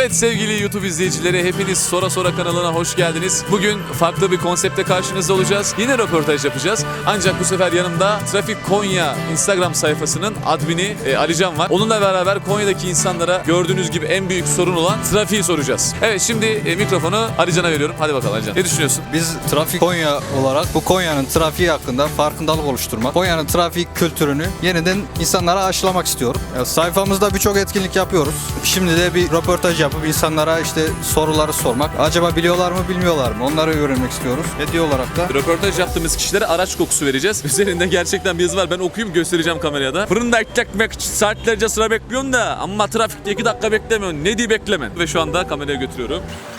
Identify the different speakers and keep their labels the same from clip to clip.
Speaker 1: Evet sevgili YouTube izleyicileri, hepiniz Sora Sora kanalına hoş geldiniz. Bugün farklı bir konsepte karşınızda olacağız. Yine röportaj yapacağız. Ancak bu sefer yanımda Trafik Konya Instagram sayfasının admini Alican var. Onunla beraber Konya'daki insanlara gördüğünüz gibi en büyük sorun olan trafiği soracağız. Evet, şimdi mikrofonu Alican'a veriyorum. Hadi bakalım Alican. Ne düşünüyorsun?
Speaker 2: Biz Trafik Konya olarak bu Konya'nın trafiği hakkında farkındalık oluşturmak, Konya'nın trafik kültürünü yeniden insanlara aşılamak istiyorum. Sayfamızda birçok etkinlik yapıyoruz. Şimdi de bir röportaj yapıp insanlara işte soruları sormak. Acaba biliyorlar mı, bilmiyorlar mı? Onları öğrenmek istiyoruz. Hediye olarak da
Speaker 1: Röportaj yaptığımız kişilere araç kokusu vereceğiz. Üzerinde gerçekten bir yazı var. Ben okuyayım, göstereceğim kameraya da. Fırında ekmek için saatlerce sıra bekliyorsun da ama trafikte 2 dakika beklemiyorsun. Ne diye beklemen? Ve şu anda kameraya götürüyorum.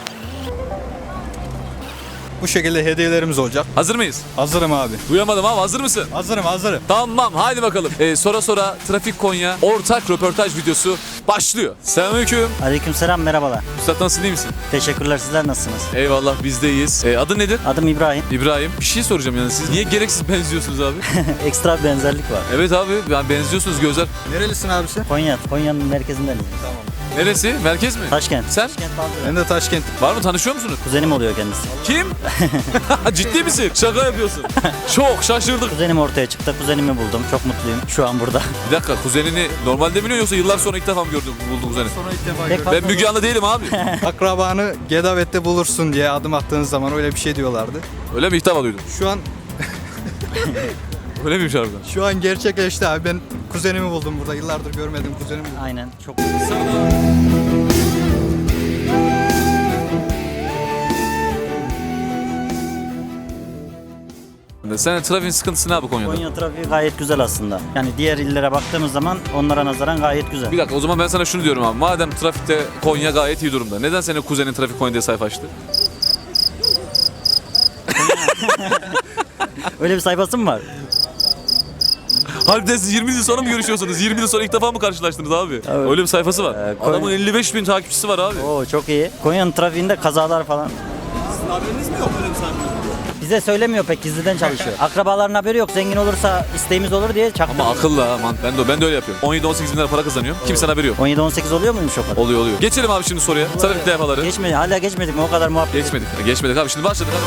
Speaker 2: bu şekilde hediyelerimiz olacak.
Speaker 1: Hazır mıyız?
Speaker 2: Hazırım abi.
Speaker 1: Duyamadım abi, hazır mısın?
Speaker 2: Hazırım.
Speaker 1: Tamam, haydi bakalım. Sora Sora Trafik Konya ortak röportaj videosu başlıyor. Selamünaleyküm.
Speaker 3: Aleykümselam, merhabalar.
Speaker 1: Üstad, nasılsın, iyi misin?
Speaker 3: Teşekkürler, sizler nasılsınız?
Speaker 1: Eyvallah, biz de iyiyiz. Adın nedir?
Speaker 3: Adım İbrahim.
Speaker 1: İbrahim. Bir şey soracağım yani, siz niye gereksiz benziyorsunuz abi?
Speaker 3: Ekstra bir benzerlik var.
Speaker 1: Evet abi, yani benziyorsunuz, gözler.
Speaker 2: Nerelisin abisi?
Speaker 3: Konya'nın merkezindenim.
Speaker 2: Tamam.
Speaker 1: Neresi? Merkez mi?
Speaker 3: Taşkent.
Speaker 1: Sen?
Speaker 3: Taşkent Baldır.
Speaker 2: Ben de Taşkent.
Speaker 1: Var mı, tanışıyor musunuz?
Speaker 3: Kuzenim oluyor kendisi.
Speaker 1: Kim? Ciddi misin? Şaka yapıyorsun. Çok şaşırdık.
Speaker 3: Kuzenim ortaya çıktı, kuzenimi buldum. Çok mutluyum şu an burada.
Speaker 1: Bir dakika, kuzenini normalde biliyor yoksa yıllar sonra ilk defa mı buldun kuzeni?
Speaker 2: Sonra ilk defa
Speaker 3: Pek
Speaker 2: gördüm.
Speaker 3: fazla
Speaker 1: Ben Müge Anlı değilim abi.
Speaker 2: Akrabanı Gedavet'te bulursun diye adım attığınız zaman öyle bir şey diyorlardı.
Speaker 1: Öyle mi, ilk defa duydum?
Speaker 2: Şu an
Speaker 1: Öyle miymiş harbiden?
Speaker 2: Şu an gerçekleşti abi. Ben kuzenimi buldum burada. Yıllardır görmediğim kuzenimi buldum.
Speaker 3: Aynen, çok
Speaker 1: Senin trafiğin sıkıntısı ne abi Konya'da?
Speaker 3: Konya trafiği gayet güzel aslında. Yani diğer illere baktığımız zaman onlara nazaran gayet güzel.
Speaker 1: Bir dakika, o zaman ben sana şunu diyorum abi. Madem trafikte Konya gayet iyi durumda, neden senin kuzenin Trafik Konya diye sayfa açtı?
Speaker 3: Öyle bir sayfası mı var?
Speaker 1: Harbiden siz 20 yıl sonra mı görüşüyorsunuz? 20 yıl sonra ilk defa mı karşılaştınız abi?
Speaker 3: Evet.
Speaker 1: Öyle bir sayfası var.
Speaker 3: Konya-
Speaker 1: Adamın 55 bin takipçisi var abi.
Speaker 3: Oo, çok iyi. Konya'nın trafiğinde kazalar falan.
Speaker 2: Sizin haberiniz mi yok öyle bir sayfa?
Speaker 3: Bize söylemiyor, pek gizliden çalışıyor. Akrabaların haberi yok, zengin olursa isteğimiz olur diye çaktı.
Speaker 1: Ama akıllı ha, ben de öyle yapıyorum. 17-18 bin lira para kazanıyorum. Kimsenin haberi yok.
Speaker 3: 17-18 oluyor muymuş o kadar?
Speaker 1: Oluyor. Geçelim abi şimdi soruya. Trafik levhaları.
Speaker 3: Hala geçmedik mi? O kadar muhabbet.
Speaker 1: Geçmedik abi. Şimdi başladık.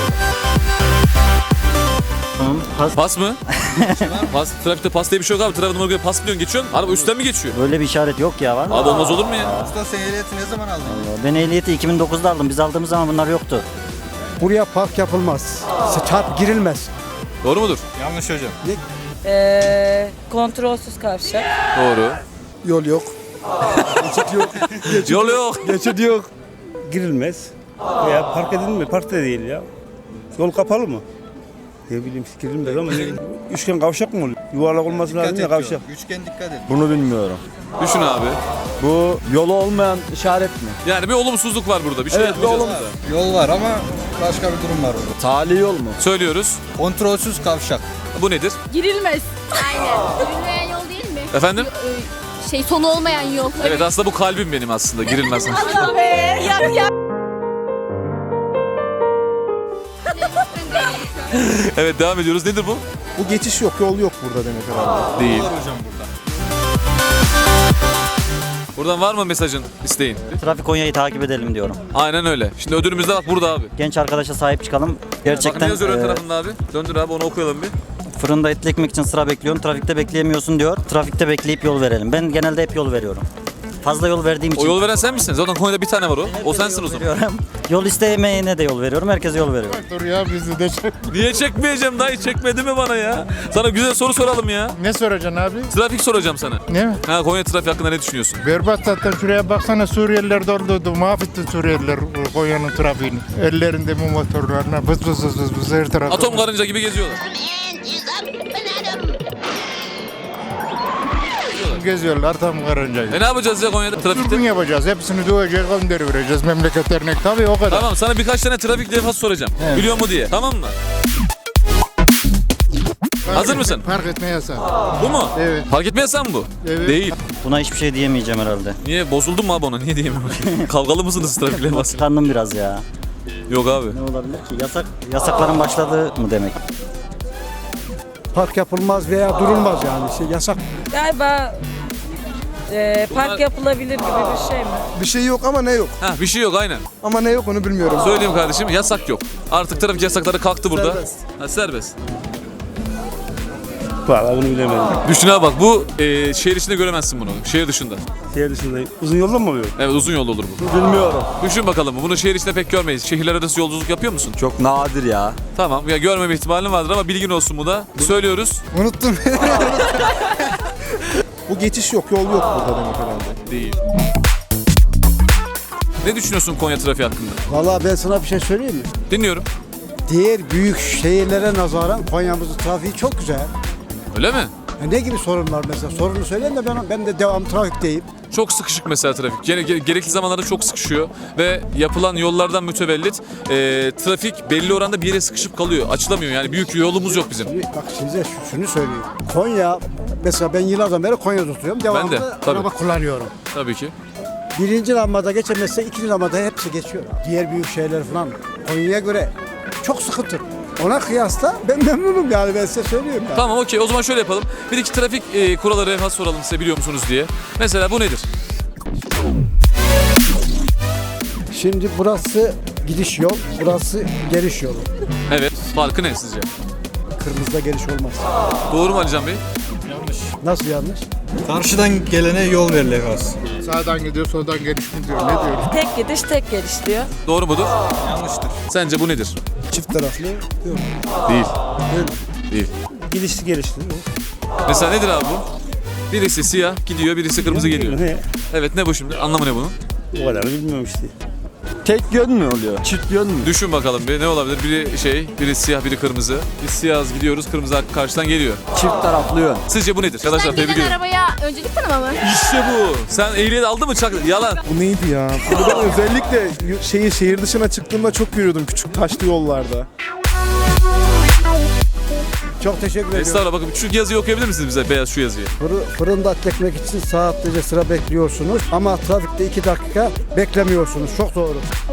Speaker 3: Tamam.
Speaker 1: Pas mı? Pas, trafikte pas diye bir şey yok abi. Trafik numara göre pas biliyorsun, geçiyorsun. Araba üstten mi geçiyor?
Speaker 3: Böyle bir işaret yok ya, var mı?
Speaker 1: Abi olmaz olur mu ya?
Speaker 2: Usta sen ehliyeti ne zaman aldın?
Speaker 3: Ben ehliyeti 2009'da aldım. Biz aldığımız zaman bunlar yoktu.
Speaker 4: Buraya park yapılmaz. Çarp girilmez.
Speaker 1: Doğru mudur?
Speaker 2: Yanlış hocam.
Speaker 5: Kontrolsüz kavşak.
Speaker 1: Doğru.
Speaker 4: Yol yok. Geçit yok.
Speaker 1: Yol yok.
Speaker 4: Geçit yok.
Speaker 6: Girilmez. Veya park edilmiyor. Park da değil ya. Yol kapalı mı? Ne bileyim girilmez ama üçgen kavşak mı oluyor? Yuvarlak olması lazım ya kavşak.
Speaker 2: Üçgen dikkat et.
Speaker 7: Bunu bilmiyorum.
Speaker 1: Düşün abi.
Speaker 7: Bu yolu olmayan işaret mi?
Speaker 1: Yani bir olumsuzluk var burada. Bir şey
Speaker 7: Evet, bir
Speaker 1: yapmayacağız.
Speaker 2: Yol var ama başka bir durum var orada.
Speaker 7: Tali yol mu?
Speaker 1: Söylüyoruz.
Speaker 2: Kontrolsüz kavşak.
Speaker 1: Bu nedir?
Speaker 5: Girilmez.
Speaker 8: Aynen. Yürümeyen yol değil mi?
Speaker 1: Efendim?
Speaker 8: Sonu olmayan yol.
Speaker 1: Evet, aslında bu kalbim benim aslında. Girilmez.
Speaker 5: Allah be. Yap.
Speaker 1: Evet, devam ediyoruz. Nedir bu?
Speaker 4: Bu geçiş yok, yol yok burada demek herhalde.
Speaker 1: Değil.
Speaker 2: Var hocam burada.
Speaker 1: Buradan var mı mesajın, isteğin?
Speaker 3: Trafik Konya'yı takip edelim diyorum.
Speaker 1: Aynen öyle. Şimdi ödülümüz de bak burada abi.
Speaker 3: Genç arkadaşa sahip çıkalım.
Speaker 1: Bak
Speaker 3: Gerçekten
Speaker 1: ne yazıyor ön tarafında abi? Döndür abi, onu okuyalım bir.
Speaker 3: fırında etli ekmek için sıra bekliyorsun. Trafikte bekleyemiyorsun diyor. Trafikte bekleyip yol verelim. Ben genelde hep yol veriyorum. Fazla yol verdiğim için.
Speaker 1: O yol veren sen misin? Zaten Konya'da bir tane var o. O sensin o zaman.
Speaker 3: veriyorum. Yol istemeyene de yol veriyorum. Herkese yol veriyorum.
Speaker 4: Dur ya bizi de
Speaker 1: Niye çekmeyeceğim dayı? Çekmedi mi bana ya? Sana güzel soru soralım ya.
Speaker 4: Ne soracaksın abi?
Speaker 1: Trafik soracağım sana.
Speaker 4: Ne?
Speaker 1: Ha, Konya trafiği hakkında ne düşünüyorsun?
Speaker 4: Berbat zaten, şuraya baksana, Suriyeliler doldu. Mahvetti Suriyeliler Konya'nın trafiğini. Ellerinde bu motorlarına vız vız vız vız vız her tarafta.
Speaker 1: Atom karınca gibi geziyorlar.
Speaker 4: Geziyorlar tam karıncayı.
Speaker 1: Ne yapacağız ya Konya'da
Speaker 4: Dürbün
Speaker 1: trafikte?
Speaker 4: yapacağız. Hepsini döveceğiz, göndereceğiz. Memleket dernek tabii o kadar.
Speaker 1: Tamam, sana birkaç tane trafik levhası soracağım. Biliyor mu diye. Tamam mı? Hazır mısın?
Speaker 4: Park etme yasağı.
Speaker 1: Bu mu?
Speaker 4: Evet.
Speaker 1: Fark etmezsen mi bu?
Speaker 4: Evet.
Speaker 1: Değil.
Speaker 3: Buna hiçbir şey diyemeyeceğim herhalde.
Speaker 1: Niye? Bozuldun mu abi ona? Niye diyeyim? Kavgalı mısınız trafik levhası?
Speaker 3: Tıkandım biraz ya.
Speaker 1: Yok abi.
Speaker 3: Ne olabilir ki? Yasakların başladığı mı demek?
Speaker 4: Park yapılmaz veya durulmaz yani. Yasak.
Speaker 5: Galiba Park yapılabilir gibi bir şey mi?
Speaker 9: Bir şey yok ama ne yok?
Speaker 1: Ha bir şey yok aynen.
Speaker 9: Ama ne yok onu bilmiyorum.
Speaker 1: Söyleyeyim kardeşim yasak yok. Artık trafik yasakları kalktı burada.
Speaker 9: Serbest.
Speaker 1: Ha, serbest.
Speaker 6: Vallahi bunu bilemedim.
Speaker 1: Düşün abi bak bu şehir içinde göremezsin bunu. Şehir dışında.
Speaker 6: Şehir dışındayım. Uzun yolda mı oluyor?
Speaker 1: Evet uzun yol olur bu.
Speaker 7: Bilmiyorum.
Speaker 1: Düşün bakalım bunu şehir içinde pek görmeyiz. Şehirler arası yolculuk yapıyor musun?
Speaker 7: Çok nadir ya.
Speaker 1: Tamam ya görmeme ihtimalin vardır ama bilgin olsun bu da. Söylüyoruz.
Speaker 9: Unuttum.
Speaker 10: Bu geçiş yok, yol yok burada demek herhalde.
Speaker 1: Değil. Ne düşünüyorsun Konya trafiği hakkında?
Speaker 11: Vallahi ben sana bir şey söyleyeyim mi?
Speaker 1: Dinliyorum.
Speaker 11: Diğer büyük şehirlere nazaran Konya'mızın trafiği çok güzel.
Speaker 1: Öyle mi?
Speaker 11: Ne gibi sorun var mesela? Sorunu söyleyin de ben de devam trafikteyim.
Speaker 1: Çok sıkışık mesela trafik. Gerekli zamanlarda çok sıkışıyor ve yapılan yollardan mütevellit trafik belli oranda bir yere sıkışıp kalıyor. Açılamıyor yani büyük yolumuz yok bizim.
Speaker 11: Bak size şunu söyleyeyim. Konya, mesela ben yıllardan beri Konya'da oturuyorum. Devamlı
Speaker 1: Ben de, tabii.
Speaker 11: araba kullanıyorum.
Speaker 1: Tabii ki.
Speaker 11: Birinci lambada geçemezse ikinci lambada hepsi geçiyor. Diğer büyük şehirler falan Konya'ya göre çok sıkıntı. Ona kıyasla ben memnunum yani ben size söyleyeyim. Yani.
Speaker 1: Tamam okey o zaman şöyle yapalım. Bir iki trafik kuralları evvel soralım size biliyor musunuz diye. Mesela bu nedir?
Speaker 11: Şimdi burası gidiş yol, burası geliş yolu.
Speaker 1: Evet. Farkı ne sizce?
Speaker 11: Kırmızıda geliş olmaz.
Speaker 1: Doğru mu Alican Bey?
Speaker 11: Nasıl yanlış?
Speaker 2: Karşıdan gelene yol verilir az.
Speaker 4: Sağdan gidiyor, soldan geliş mi diyor, ne diyor?
Speaker 5: Tek gidiş tek geliş diyor.
Speaker 1: Doğru mudur?
Speaker 2: Yanlıştır.
Speaker 1: Sence bu nedir?
Speaker 11: Çift taraflı yok.
Speaker 1: Değil. Değil.
Speaker 6: Gidişli gelişli.
Speaker 1: Mesela nedir abi bu? Birisi siyah gidiyor, birisi kırmızı geliyor.
Speaker 6: Ne?
Speaker 1: Evet ne bu şimdi? Anlamı ne bunun?
Speaker 6: O kadar bilmiyorum işte.
Speaker 7: Tek yön mü oluyor? Çift yön mü?
Speaker 1: Düşün bakalım bir ne olabilir? Biri siyah, biri kırmızı. Biz siyahız gidiyoruz, kırmızı karşıdan geliyor.
Speaker 7: Çift taraflı yön.
Speaker 1: Sizce bu nedir? Arkadaşlar
Speaker 8: Sen
Speaker 1: tebrik
Speaker 8: gelen
Speaker 1: ederim.
Speaker 8: arabaya öncelik tanıma mı?
Speaker 1: İşte bu. Sen ehliyet aldın mı çak? Yalan.
Speaker 10: Bu neydi ya? Bunu ben özellikle şehir dışına çıktığımda çok yürüyordum küçük taşlı yollarda.
Speaker 11: Çok teşekkür ediyorum.
Speaker 1: Estağfurullah bakın şu yazıyı okuyabilir misiniz bize? Beyaz şu yazıyı.
Speaker 11: Fırında et ekmek için saatlerce sıra bekliyorsunuz ama trafikte 2 dakika beklemiyorsunuz. Çok doğru.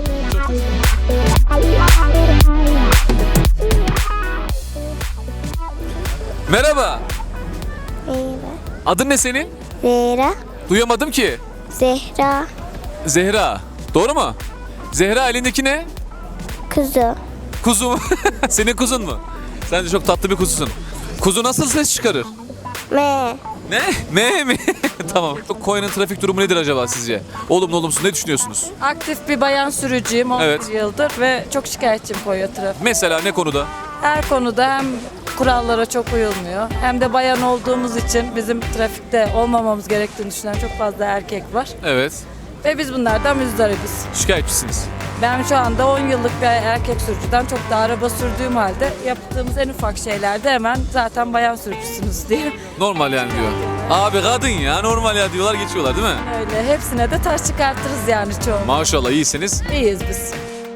Speaker 1: Merhaba.
Speaker 8: Merhaba.
Speaker 1: Adın ne senin?
Speaker 8: Zehra.
Speaker 1: Duyamadım ki.
Speaker 8: Zehra.
Speaker 1: Zehra. Doğru mu? Zehra elindeki ne?
Speaker 8: Kızı.
Speaker 1: Kuzu mu? Senin kuzun mu? Sen de çok tatlı bir kuzusun. Kuzu nasıl ses çıkarır?
Speaker 8: Me.
Speaker 1: Ne? Me mi? Tamam. Konya'nın trafik durumu nedir acaba sizce? Olumlu olumsuz ne düşünüyorsunuz?
Speaker 5: Aktif bir bayan sürücüyüm 11
Speaker 1: Evet.
Speaker 5: yıldır ve çok şikayetçiyim Konya trafiği.
Speaker 1: Mesela ne konuda?
Speaker 5: Her konuda hem kurallara çok uyulmuyor hem de bayan olduğumuz için bizim trafikte olmamamız gerektiğini düşünen çok fazla erkek var.
Speaker 1: Evet.
Speaker 5: Ve biz bunlardan müzdaribiz.
Speaker 1: Şikayetçisiniz.
Speaker 5: Ben şu anda 10 yıllık bir erkek sürücüden çok daha araba sürdüğüm halde yaptığımız en ufak şeylerde hemen zaten bayan sürücüsünüz diye.
Speaker 1: Normal yani diyor. Abi kadın ya normal ya diyorlar geçiyorlar değil mi?
Speaker 5: Öyle hepsine de taş çıkartırız yani çoğu.
Speaker 1: Maşallah iyisiniz.
Speaker 5: İyiyiz biz.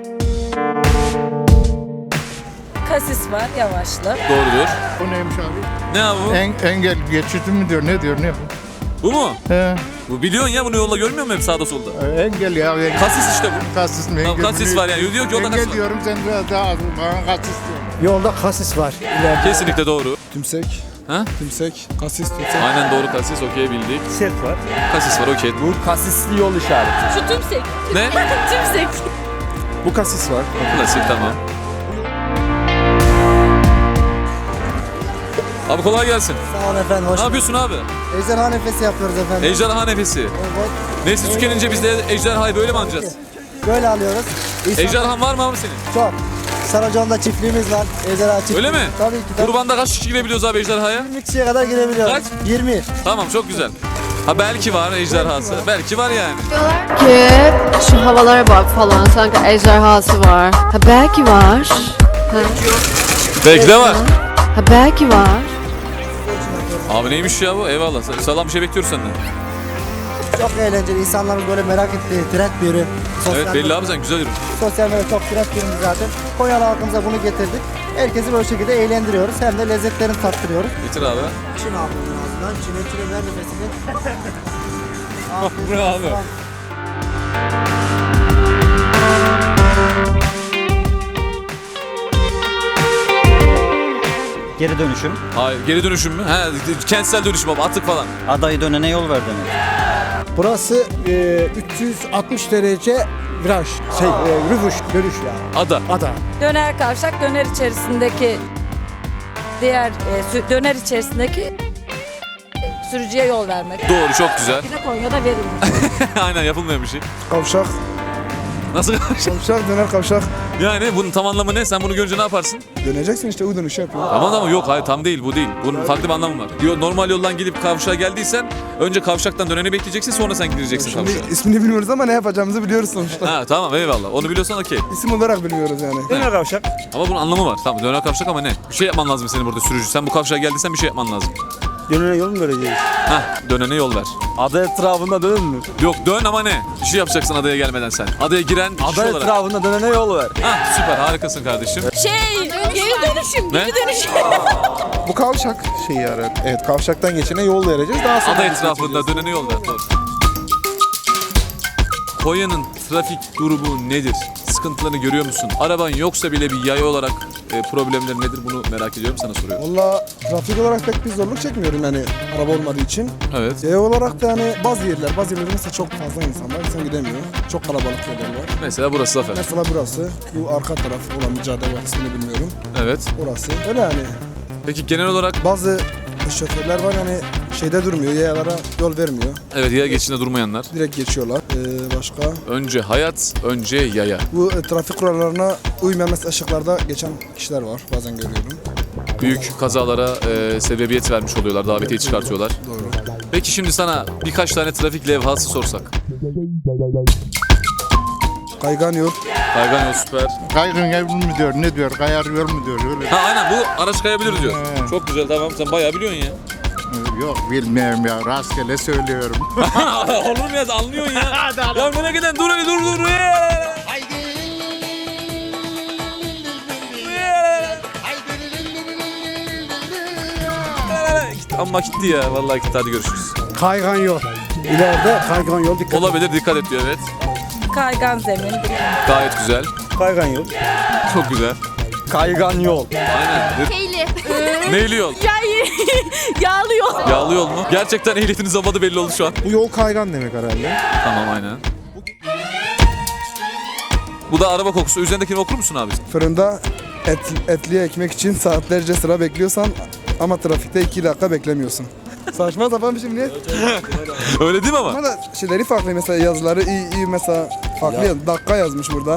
Speaker 5: Kasis var yavaşlı.
Speaker 1: Doğrudur.
Speaker 4: O neymiş abi?
Speaker 1: Ne abi bu?
Speaker 4: Engel geçidi mi diyor, ne diyor, ne bu?
Speaker 1: Bu mu?
Speaker 4: He,
Speaker 1: Bu biliyorsun ya bunu yolda görmüyor musun hep sağda solda?
Speaker 4: engel ya. Engel.
Speaker 1: Kasis işte bu.
Speaker 4: Kasis mi?
Speaker 1: Tamam,
Speaker 4: Engel
Speaker 1: kasis
Speaker 4: mi?
Speaker 1: var yani. Diyor ki yolda
Speaker 4: Engel
Speaker 1: kasis var.
Speaker 4: diyorum, sen biraz daha bana kasis diyorsun.
Speaker 11: Yolda kasis var. İleride.
Speaker 1: Kesinlikle doğru.
Speaker 10: Tümsek,
Speaker 1: Ha?
Speaker 10: tümsek, kasis tümsek.
Speaker 1: Aynen doğru kasis okey bildik.
Speaker 6: Set var.
Speaker 1: Kasis var okey.
Speaker 7: Bu kasisli yol işareti.
Speaker 8: Şu tümsek.
Speaker 1: Ne?
Speaker 8: Tümsek.
Speaker 10: Bu kasis var.
Speaker 1: Klasik tamam. Abi kolay gelsin.
Speaker 11: Sağ olun efendim. Hoş
Speaker 1: Ne yapıyorsun abi?
Speaker 11: Ejderha nefesi yapıyoruz efendim.
Speaker 1: Ejderha nefesi.
Speaker 11: Evet.
Speaker 1: Nesli tükenince biz de ejderhayı böyle mi anacağız?
Speaker 11: Böyle alıyoruz.
Speaker 1: Ejderhan var mı abi senin?
Speaker 11: Çok. Saracon'da çiftliğimiz var. Ejderha çiftliği.
Speaker 1: Öyle mi?
Speaker 11: Tabii ki. Tabii.
Speaker 1: Kurbanda kaç kişi girebiliyoruz abi ejderhaya?
Speaker 11: 20 kişiye kadar girebiliyoruz.
Speaker 1: Kaç?
Speaker 11: 20.
Speaker 1: Tamam çok güzel. Ha belki var ejderhası. Belki var yani.
Speaker 12: Ki şu havalara bak falan sanki ejderhası var. Ha belki var.
Speaker 1: Belki de var.
Speaker 12: Ha belki var.
Speaker 1: Abi neymiş ya bu? Eyvallah. Sağlam bir şey bekliyoruz senden.
Speaker 11: Çok eğlenceli. İnsanların böyle merak ettiği trend bir ürün.
Speaker 1: Evet belli abi sen güzel ürün.
Speaker 11: Sosyal medya çok trend bir ürün zaten. Konyalı halkımıza bunu getirdik. Herkesi böyle şekilde eğlendiriyoruz. Hem de lezzetlerini tattırıyoruz.
Speaker 1: Bitir abi.
Speaker 11: Çin ağzından ağzından. Çin ver nefesini.
Speaker 1: Bu ne abi?
Speaker 3: Geri dönüşüm.
Speaker 1: Hayır geri dönüşüm mü? He kentsel dönüşüm abi atık falan.
Speaker 3: Adayı dönene yol ver demek.
Speaker 11: Burası 360 derece viraj, rüvuş, dönüş yani. Ada.
Speaker 5: Döner kavşak, döner içerisindeki döner içerisindeki sürücüye yol vermek.
Speaker 1: Doğru, çok güzel.
Speaker 5: Bir de Konya'da verilmiş.
Speaker 1: Aynen, yapılmayan bir şey.
Speaker 10: Kavşak.
Speaker 1: Nasıl kavşak?
Speaker 10: Kavşak döner kavşak.
Speaker 1: Yani bunun tam anlamı ne? Sen bunu görünce ne yaparsın?
Speaker 10: Döneceksin işte U dönüşü yapıyor.
Speaker 1: Tamam ama yok, hayır tam değil, bu değil. Bunun farklı bir anlamı var. Normal yoldan gidip kavşağa geldiysen önce kavşaktan döneni bekleyeceksin, sonra sen gideceksin
Speaker 10: Şimdi
Speaker 1: kavşağa.
Speaker 10: ismini bilmiyoruz ama ne yapacağımızı biliyoruz sonuçta.
Speaker 1: Ha tamam, eyvallah. Onu biliyorsan okey.
Speaker 10: İsim olarak bilmiyoruz yani.
Speaker 6: Döner kavşak.
Speaker 1: Ama bunun anlamı var. Tamam, döner kavşak ama ne? Bir şey yapman lazım senin burada sürücü. Sen bu kavşağa geldiysen bir şey yapman lazım.
Speaker 6: Dönene yol mu vereceğiz?
Speaker 1: Heh, dönene yol ver.
Speaker 7: Ada etrafında dönün mü?
Speaker 1: Yok, dön ama ne? Bir şey yapacaksın adaya gelmeden sen. Adaya giren kişi
Speaker 7: Ada
Speaker 1: olarak.
Speaker 7: etrafında dönene yol ver.
Speaker 1: Hah, süper, harikasın kardeşim.
Speaker 5: Geri dönüşüm,
Speaker 1: Ne?
Speaker 10: Bu kavşak şeyi arar. Evet, kavşaktan geçene yol vereceğiz. Daha sonra
Speaker 1: Ada etrafında dönene yol ver. Doğru. Konya'nın trafik durumu nedir? Sıkıntılarını görüyor musun? Araban yoksa bile bir yaya olarak problemleri nedir? Bunu merak ediyorum, sana soruyorum.
Speaker 10: Valla trafik olarak pek bir zorluk çekmiyorum yani araba olmadığı için.
Speaker 1: Evet.
Speaker 10: Yaya olarak da yani bazı yerlerde mesela çok fazla insan var. İnsan gidemiyor. Çok kalabalık yerler var.
Speaker 1: Mesela burası Zafer.
Speaker 10: Mesela burası. Bu arka taraf olan bir cadde var. İsmini bilmiyorum.
Speaker 1: Evet.
Speaker 10: Orası. Öyle yani.
Speaker 1: Peki genel olarak
Speaker 10: Bazı şoförler var yani şeyde durmuyor. Yayalara yol vermiyor.
Speaker 1: evet, yaya geçişinde durmayanlar.
Speaker 10: Direkt geçiyorlar. Başka.
Speaker 1: Önce hayat, önce yaya.
Speaker 10: Bu trafik kurallarına uymayan mesela ışıklarda geçen kişiler var. Bazen görüyorum.
Speaker 1: Büyük kazalara sebebiyet vermiş oluyorlar, davetiye çıkartıyorlar.
Speaker 10: Doğru.
Speaker 1: Peki şimdi sana birkaç tane trafik levhası sorsak.
Speaker 10: Kaygan yol.
Speaker 1: Kaygan yol süper.
Speaker 4: Kaygın yol mu diyor, ne diyor, kayar yol mu diyor, öyle.
Speaker 1: Ha aynen, bu araç kayabilir diyor.
Speaker 4: He.
Speaker 1: Çok güzel, tamam, sen bayağı biliyorsun ya.
Speaker 4: Yok bilmiyorum ya, rastgele söylüyorum.
Speaker 1: Olur mu ya, anlıyorsun ya. Ya nereye giden, dur öyle, dur. Amma gitti ya, vallahi gitti, hadi görüşürüz.
Speaker 11: Kaygan yol. İleride kaygan yol, dikkat.
Speaker 1: Olabilir, dikkat et diyor, evet.
Speaker 5: Kaygan zemin.
Speaker 1: Gayet güzel,
Speaker 6: Kaygan yol.
Speaker 1: çok güzel.
Speaker 7: Kaygan yol.
Speaker 1: Aynen.
Speaker 12: Neyli?
Speaker 1: Neyli yol?
Speaker 5: Yağlı yol.
Speaker 1: Yağlı yol mu? Gerçekten ehliyetiniz olmadı belli oldu şu an.
Speaker 10: Bu yol kaygan demek herhalde.
Speaker 1: Tamam, aynen. Bu da araba kokusu. Üzerindekini okur musun abi?
Speaker 10: Fırında etli ekmek için saatlerce sıra bekliyorsan ama trafikte 2 dakika beklemiyorsun. Saçma sapan bir şey niye?
Speaker 1: Öyle değil mi ama?
Speaker 10: Ama da şeyleri farklı mesela yazıları iyi mesela farklı dakika yazmış burada.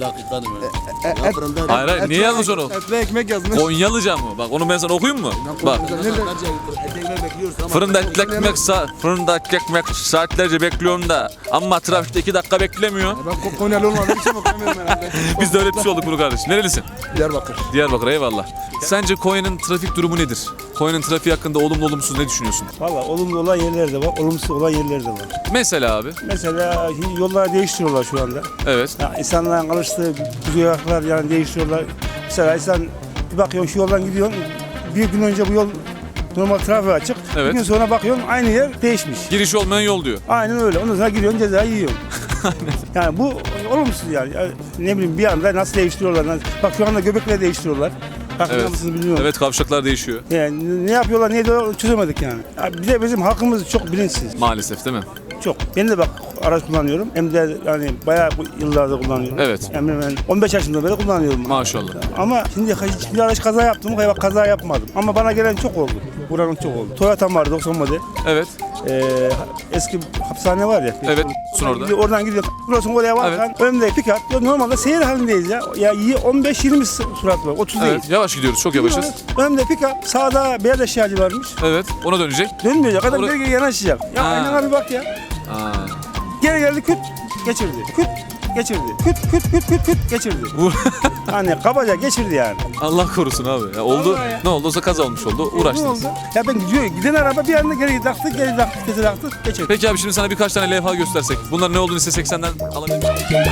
Speaker 1: Hayır hayır, niye yazmış onu?
Speaker 10: Etli ekmek yazmış.
Speaker 1: Konyalıca mı? Bak onu ben sana okuyayım mı? Bak. Fırında fırında ekmek saatlerce bekliyorum da ama trafikte 2 dakika beklemiyor.
Speaker 10: Ben Konyalı olmadığım için okuyamıyorum herhalde.
Speaker 1: Biz de öğretmiş olduk bunu kardeş. Nerelisin?
Speaker 10: Diyarbakır.
Speaker 1: Diyarbakır, eyvallah. Sence Konya'nın trafik durumu nedir? Konya'nın trafiği hakkında olumlu olumsuz ne düşünüyorsun?
Speaker 6: Valla olumlu olan yerler de var, olumsuz olan yerler de var.
Speaker 1: Mesela abi.
Speaker 6: Mesela yolları değiştiriyorlar şu anda.
Speaker 1: Evet.
Speaker 6: Ya insanların alıştığı güzergahlar yani değiştiriyorlar. Mesela insan bir bakıyorsun şu yoldan gidiyorsun. Bir gün önce bu yol normal trafiğe açık.
Speaker 1: Evet.
Speaker 6: Bir gün sonra bakıyorsun aynı yer değişmiş.
Speaker 1: Giriş olmayan yol diyor.
Speaker 6: Aynen öyle. Ondan sonra giriyorsun cezayı yiyorsun. Yani bu olumsuz yani. Ne bileyim bir anda nasıl değiştiriyorlar. Bak şu anda göbekleri değiştiriyorlar. Farkında
Speaker 1: Evet.
Speaker 6: mısınız bilmiyorum.
Speaker 1: Evet, kavşaklar değişiyor.
Speaker 6: Yani ne yapıyorlar, ne ediyorlar çözemedik yani. Bir de bizim halkımız çok bilinçsiz.
Speaker 1: Maalesef değil mi?
Speaker 6: Çok. Ben de bak araç kullanıyorum. Hem de yani bayağı yıllardır kullanıyorum.
Speaker 1: Evet.
Speaker 6: Yani ben 15 yaşından beri kullanıyorum.
Speaker 1: Maşallah.
Speaker 6: Ama şimdi hiçbir araç kaza yaptım. Bak kaza yapmadım. Ama bana gelen çok oldu. Buranın çok oldu. Toyota'm vardı 90 model.
Speaker 1: Evet.
Speaker 6: Eski hapishane var ya.
Speaker 1: Evet. Orada.
Speaker 6: Oradan gidiyor. Burası oraya varken önümde pick-up. Ya normalde seyir halindeyiz ya. Ya 15-20 surat var. 30 değil.
Speaker 1: Evet. Yavaş gidiyoruz. Çok yavaşız.
Speaker 6: Önümde pick-up. Sağda beyaz eşyacı varmış.
Speaker 1: Evet. Ona dönecek.
Speaker 6: Dönmeyecek. Adam
Speaker 1: Orada-
Speaker 6: geri yanaşacak. Ya
Speaker 1: Ha.
Speaker 6: aynen abi bak ya.
Speaker 1: Aa.
Speaker 6: Geri geldi küt geçirdi. Küt geçirdi. Küt geçirdi.
Speaker 1: Bu-
Speaker 6: Hani kabaca geçirdi yani.
Speaker 1: Allah korusun abi. Ya oldu.
Speaker 6: Vallahi ya.
Speaker 1: Ne oldu? Olsa kaza olmuş oldu.
Speaker 6: Ne
Speaker 1: Uğraştınız.
Speaker 6: oldu? Ya ben gidiyor. Giden araba bir anda geri taktı, geçirdi.
Speaker 1: Peki abi, şimdi sana birkaç tane levha göstersek. Bunlar ne olduğunu istesek senden alabilir miyim?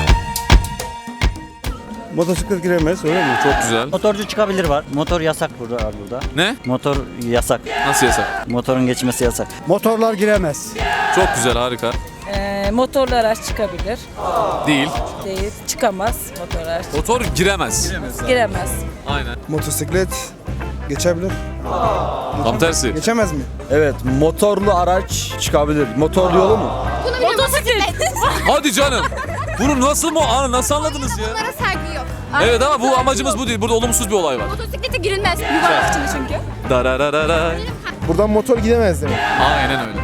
Speaker 6: Motosiklet giremez öyle mi?
Speaker 1: Çok güzel.
Speaker 3: Motorcu çıkabilir var. Motor yasak burada.
Speaker 1: Ne?
Speaker 3: Motor yasak.
Speaker 1: Nasıl yasak?
Speaker 3: Motorun geçmesi yasak.
Speaker 11: Motorlar giremez.
Speaker 1: Çok güzel, harika.
Speaker 5: Motorlu araç çıkabilir.
Speaker 1: Değil.
Speaker 5: Değil. Çıkamaz motor araç.
Speaker 1: Motor giremez.
Speaker 5: Giremez.
Speaker 1: Aynen.
Speaker 10: Motosiklet geçebilir.
Speaker 1: Tam tersi.
Speaker 10: Geçemez mi?
Speaker 7: Evet, motorlu araç çıkabilir. Motorlu yolu mu?
Speaker 1: Hadi canım. Bunu nasıl anladınız ya?
Speaker 12: Bunlara saygı yok.
Speaker 1: Evet ama bu amacımız bu değil. Burada olumsuz bir olay var.
Speaker 12: Motosiklete girilmez. Yuvarlak içinde çünkü.
Speaker 1: Darararara.
Speaker 9: Buradan motor gidemez demek.
Speaker 1: Aynen öyle.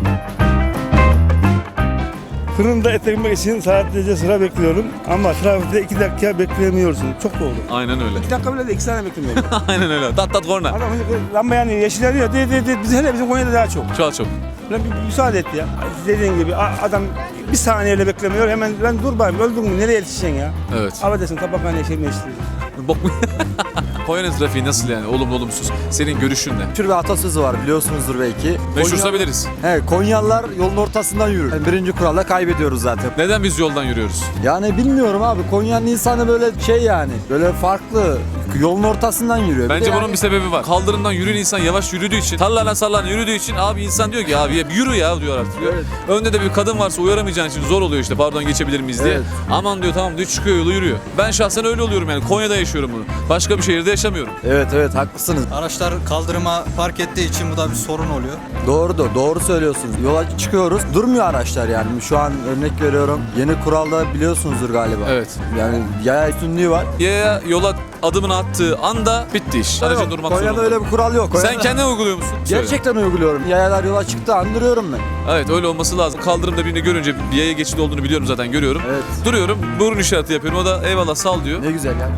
Speaker 6: Fırında et ekmek için saatlerce sıra bekliyorum ama trafikte 2 dakika bekleyemiyorsun. Çok doğru.
Speaker 1: Aynen öyle.
Speaker 6: 2 dakika bile de 2 saniye beklemiyorum.
Speaker 1: Aynen öyle. Tat tat korna.
Speaker 6: Adam lamba yanıyor, yeşil yanıyor. Hele bizim Konya'da daha çok.
Speaker 1: Çok.
Speaker 6: Lan bir müsaade et ya. Dediğin gibi adam bir saniyeyle beklemiyor. Hemen lan dur bayım öldün mü? Nereye yetişeceksin ya?
Speaker 1: Evet.
Speaker 6: Affedersin tabakhaneye şey mi yetiştireceksin?
Speaker 1: Bok mu? Konya'nın trafiği nasıl yani? Olumlu olumsuz. Senin görüşün ne?
Speaker 7: Meşhur bir atasözü var biliyorsunuzdur belki.
Speaker 1: Meşhursa biliriz.
Speaker 7: He, Konyalılar yolun ortasından yürür. Yani birinci kuralla kaybediyoruz zaten.
Speaker 1: Neden biz yoldan yürüyoruz?
Speaker 7: Yani bilmiyorum abi. Konya'nın insanı böyle şey yani. Böyle farklı. Yolun ortasından yürüyor.
Speaker 1: Bence
Speaker 7: Bir de
Speaker 1: bunun bir sebebi var. Kaldırımdan yürüyen insan yavaş yürüdüğü için, sallarla yürüdüğü için abi insan diyor ki abi yürü ya diyor artık. Diyor.
Speaker 7: Evet.
Speaker 1: Önde de bir kadın varsa uyaramayacağın için zor oluyor işte pardon geçebilir miyiz diye.
Speaker 7: Evet.
Speaker 1: Aman diyor tamam diyor çıkıyor yolu yürüyor. Ben şahsen öyle oluyorum yani Konya'da yaşıyorum bunu. Başka bir şehirde yaşamıyorum.
Speaker 7: Evet haklısınız.
Speaker 2: Araçlar kaldırıma park ettiği için bu da bir sorun oluyor.
Speaker 7: Doğru söylüyorsunuz. Yola çıkıyoruz. Durmuyor araçlar yani. Şu an örnek veriyorum. Yeni kuralda biliyorsunuzdur galiba.
Speaker 1: Evet.
Speaker 7: Yani yaya üstünlüğü var.
Speaker 1: Yaya yola adımını attığı anda bitti iş. Aracın
Speaker 7: Yok,
Speaker 1: durmak
Speaker 7: Konya'da
Speaker 1: zorunda.
Speaker 7: öyle bir kural yok.
Speaker 1: Sen kendin uyguluyor musun? Söyle.
Speaker 7: Gerçekten uyguluyorum. Yayalar yola çıktı andırıyorum ben.
Speaker 1: Evet öyle olması lazım. Kaldırımda birini görünce bir yaya geçidi olduğunu biliyorum zaten görüyorum.
Speaker 7: Evet.
Speaker 1: Duruyorum burun işareti yapıyorum. O da eyvallah sal diyor.
Speaker 7: Ne güzel ya.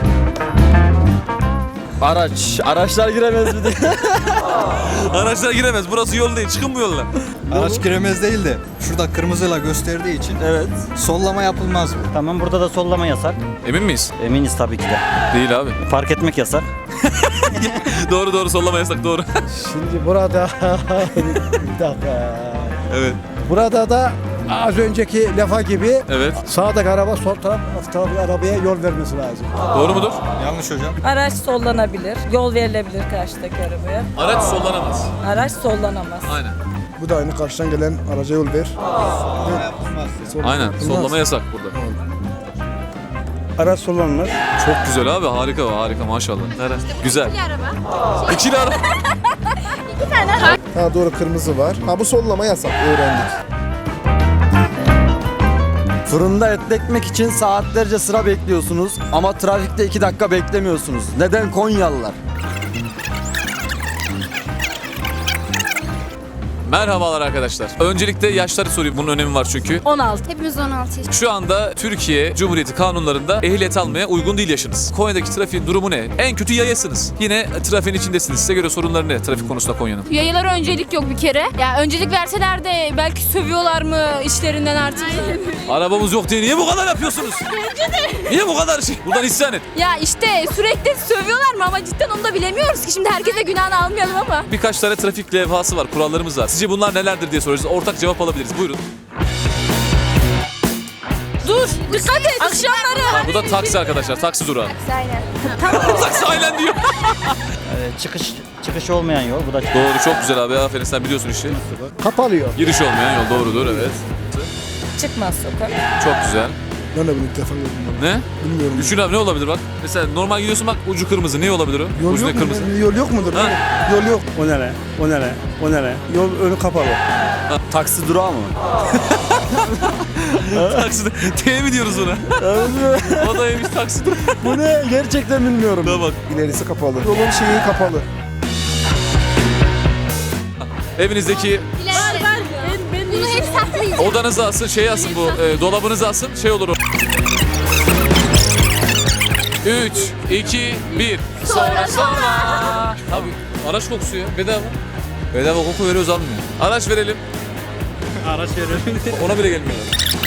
Speaker 7: Araçlar giremez mi diye.
Speaker 1: Araçlar giremez. Burası yol değil. Çıkın bu yoldan.
Speaker 2: Araç giremez değil de şurada kırmızıyla gösterdiği için
Speaker 7: Evet.
Speaker 2: sollama yapılmaz mı?
Speaker 3: Tamam burada da sollama yasak.
Speaker 1: Emin miyiz?
Speaker 3: Eminiz tabii ki de.
Speaker 1: Değil abi.
Speaker 3: Park etmek yasak.
Speaker 1: Doğru sollama yasak doğru.
Speaker 11: Şimdi burada bir dakika.
Speaker 1: Evet.
Speaker 11: Burada da az önceki lafa gibi
Speaker 1: Evet.
Speaker 11: sağdaki araba sol taraftaki arabaya yol vermesi lazım.
Speaker 1: Doğru mudur?
Speaker 2: Yanlış hocam.
Speaker 5: Araç sollanabilir, yol verilebilir karşıdaki arabaya.
Speaker 1: Araç sollanamaz.
Speaker 5: Araç sollanamaz.
Speaker 1: Aynen.
Speaker 9: Bu da aynı karşıdan gelen araca yol ver.
Speaker 1: Aynen. Sollama yasak burada.
Speaker 6: Araç sollanmaz.
Speaker 1: Çok güzel abi. Harika maşallah. Güzel.
Speaker 12: Araba.
Speaker 1: İkili araba.
Speaker 9: Ha doğru kırmızı var. Ha bu sollama yasak öğrendik.
Speaker 7: Fırında et ekmek için saatlerce sıra bekliyorsunuz ama trafikte 2 dakika beklemiyorsunuz. Neden Konyalılar?
Speaker 1: Merhabalar arkadaşlar. Öncelikle yaşları sorayım. Bunun önemi var çünkü.
Speaker 5: 16.
Speaker 12: Hepimiz 16 yaş.
Speaker 1: Şu anda Türkiye Cumhuriyeti kanunlarında ehliyet almaya uygun değil yaşınız. Konya'daki trafiğin durumu ne? En kötü yayasınız. Yine trafiğin içindesiniz. Size göre sorunları ne trafik konusunda Konya'nın?
Speaker 12: Yayalara öncelik yok bir kere. Ya öncelik verseler de belki sövüyorlar mı işlerinden artık.
Speaker 1: Arabamız yok diye niye bu kadar yapıyorsunuz? Niye bu kadar şey? Buradan isyan et.
Speaker 12: Ya işte sürekli sövüyorlar mı ama cidden onu da bilemiyoruz ki. Şimdi herkese günahını almayalım ama.
Speaker 1: Birkaç tane trafik levhası var, kurallarımız var. Sizce bunlar nelerdir diye soruyoruz. Ortak cevap alabiliriz. Buyurun.
Speaker 12: Dur dikkat et. Akşamları.
Speaker 1: Bu da taksi arkadaşlar. Taksi durağı.
Speaker 12: Aynen.
Speaker 1: Taksi aynen diyor.
Speaker 3: Çıkış olmayan yol. Bu da
Speaker 1: Doğru çok güzel abi. Aferin sen biliyorsun işi.
Speaker 11: Kapalıyor.
Speaker 1: Giriş olmayan yol doğrudur evet.
Speaker 5: Çıkmaz sokak.
Speaker 1: Çok güzel.
Speaker 9: Ben de bunu ilk defa gördüm.
Speaker 1: Ne?
Speaker 9: Bilmiyorum.
Speaker 1: Düşün abi ne olabilir bak. Mesela normal gidiyorsun bak ucu kırmızı. Ne olabilir o?
Speaker 9: Yol
Speaker 1: Ucu
Speaker 9: yok
Speaker 1: ne
Speaker 9: mu?
Speaker 1: kırmızı?
Speaker 9: Yol yok mudur?
Speaker 1: Ha?
Speaker 9: Yol yok.
Speaker 6: O ne? Yol önü kapalı.
Speaker 7: Taksi durağı mı?
Speaker 1: Taksi. T mi diyoruz ona? O da yemiş taksi durağı.
Speaker 7: Bu ne? Gerçekten bilmiyorum.
Speaker 1: Da bak.
Speaker 9: İlerisi kapalı. Yolun şeyi kapalı.
Speaker 1: Evinizdeki
Speaker 12: Bunu hep saklıyız.
Speaker 1: odanıza asın, şey asın bu, dolabınıza asın, şey olur o. 3, 2, 1. Sonra. Abi araç kokusu ya, bedava. Bedava koku veriyoruz almıyor. Araç verelim.
Speaker 2: Araç verelim.
Speaker 1: Ona bile gelmiyorlar.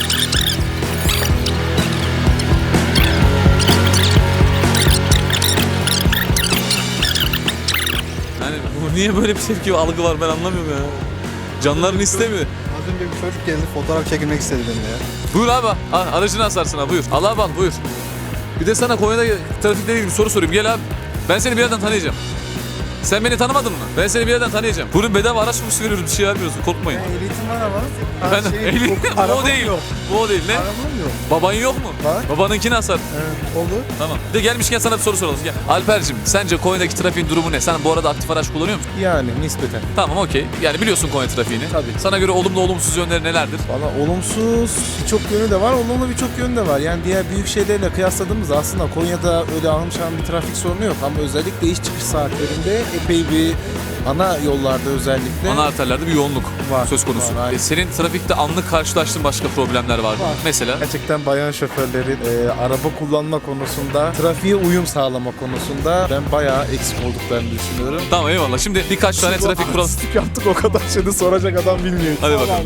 Speaker 1: Yani bu niye böyle bir tepki algı var ben anlamıyorum ya. Canlarını istemiyor.
Speaker 2: Az önce bir çocuk geldi fotoğraf çekilmek istedi benimle ya.
Speaker 1: Buyur abi. Al, aracını asarsın ha buyur. Al abi al buyur. Bir de sana Konya'da trafikle ilgili bir soru sorayım. Gel abi. Ben seni bir yerden tanıyacağım. Sen beni tanımadın mı? Ben seni bir yerden tanıyacağım. Bunun bedava araç mı veriyoruz? Bir şey vermiyorsun. Korkmayın.
Speaker 9: Ehliyetim var ama.
Speaker 1: Ben bu o değil. Bu o değil. Ne?
Speaker 9: Arabam yok.
Speaker 1: Baban yok mu?
Speaker 9: Var.
Speaker 1: Babanınki nasıl?
Speaker 9: Evet, olur.
Speaker 1: Tamam. De gelmişken sana bir soru soralım. Gel. Alper'cim sence Konya'daki trafiğin durumu ne? Sen bu arada aktif araç kullanıyor musun?
Speaker 9: Yani nispeten.
Speaker 1: Tamam okey. Yani biliyorsun Konya trafiğini.
Speaker 9: Tabii.
Speaker 1: Sana göre olumlu olumsuz yönleri nelerdir?
Speaker 9: Valla olumsuz birçok yönü de var, olumlu birçok yönü de var. Yani diğer büyük şehirlerle kıyasladığımızda aslında Konya'da öyle almışan bir trafik sorunu yok. Ama özellikle iş çıkış saatlerinde epey bir ana yollarda özellikle
Speaker 1: Ana arterlerde bir yoğunluk
Speaker 9: Var,
Speaker 1: söz konusu.
Speaker 9: var, aynen.
Speaker 1: Senin trafikte anlık karşılaştığın başka problemler var mı?
Speaker 9: Var.
Speaker 1: Mesela?
Speaker 9: gerçekten bayan şoförlerin araba kullanma konusunda, trafiğe uyum sağlama konusunda ben bayağı eksik olduklarını düşünüyorum.
Speaker 1: Tamam eyvallah. Şimdi birkaç tane trafik kuralı...
Speaker 9: Artistik yaptık o kadar şeyi soracak adam bilmiyor.
Speaker 1: Hadi bakalım.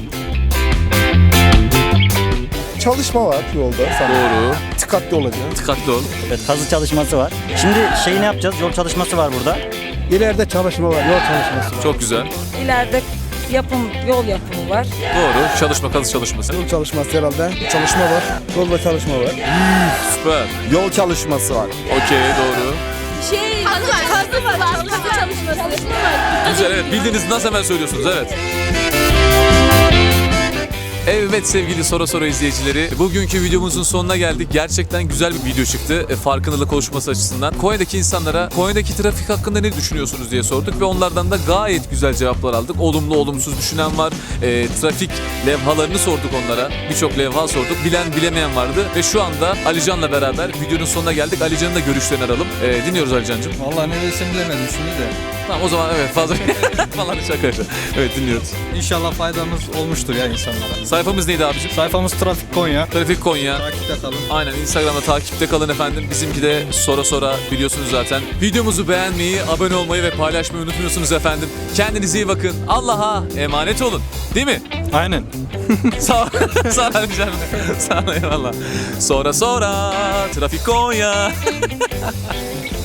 Speaker 9: Çalışma var yolda sana.
Speaker 1: Doğru.
Speaker 9: Dikkatli olacağız.
Speaker 1: Dikkatli ol.
Speaker 3: Evet, kazı çalışması var. Şimdi şeyi ne yapacağız? Yol çalışması var burada.
Speaker 11: İleride çalışma var, yol çalışması var.
Speaker 1: Çok güzel.
Speaker 5: İleride yol yapımı var.
Speaker 1: Doğru. Çalışma, kazı çalışması.
Speaker 9: Yol çalışması herhalde. Çalışma var. Yolda çalışma var.
Speaker 1: Süper.
Speaker 7: Yol çalışması var.
Speaker 1: Okey doğru.
Speaker 8: Kazı var. Kazı çalışması.
Speaker 1: Güzel evet. Bildiğiniz nasıl hemen söylüyorsunuz evet. Evet sevgili Sora izleyicileri, bugünkü videomuzun sonuna geldik. Gerçekten güzel bir video çıktı farkındalık oluşması açısından. Konya'daki insanlara Konya'daki trafik hakkında ne düşünüyorsunuz diye sorduk ve onlardan da gayet güzel cevaplar aldık. Olumlu olumsuz düşünen var, trafik levhalarını sorduk onlara. Birçok levha sorduk, bilen bilemeyen vardı ve şu anda Alican'la beraber videonun sonuna geldik. Alican'ın da görüşlerini alalım. Dinliyoruz Alican'cığım.
Speaker 2: Vallahi ne desem bilemedim şimdi de.
Speaker 1: Tamam o zaman evet fazla falan şaka. Evet dinliyoruz.
Speaker 2: İnşallah faydamız olmuştur ya insanlara.
Speaker 1: Sayfamız neydi abicim?
Speaker 2: Sayfamız Trafik Konya.
Speaker 1: Trafik Konya.
Speaker 2: Takipte kalın.
Speaker 1: Aynen Instagram'da takipte kalın efendim. Bizimki de Sora biliyorsunuz zaten. Videomuzu beğenmeyi, abone olmayı ve paylaşmayı unutmuyorsunuz efendim. Kendinize iyi bakın. Allah'a emanet olun. Değil mi?
Speaker 2: Aynen.
Speaker 1: Sağ ol. Sağ ol canım. Sağ ol eyvallah. Sora Trafik Konya.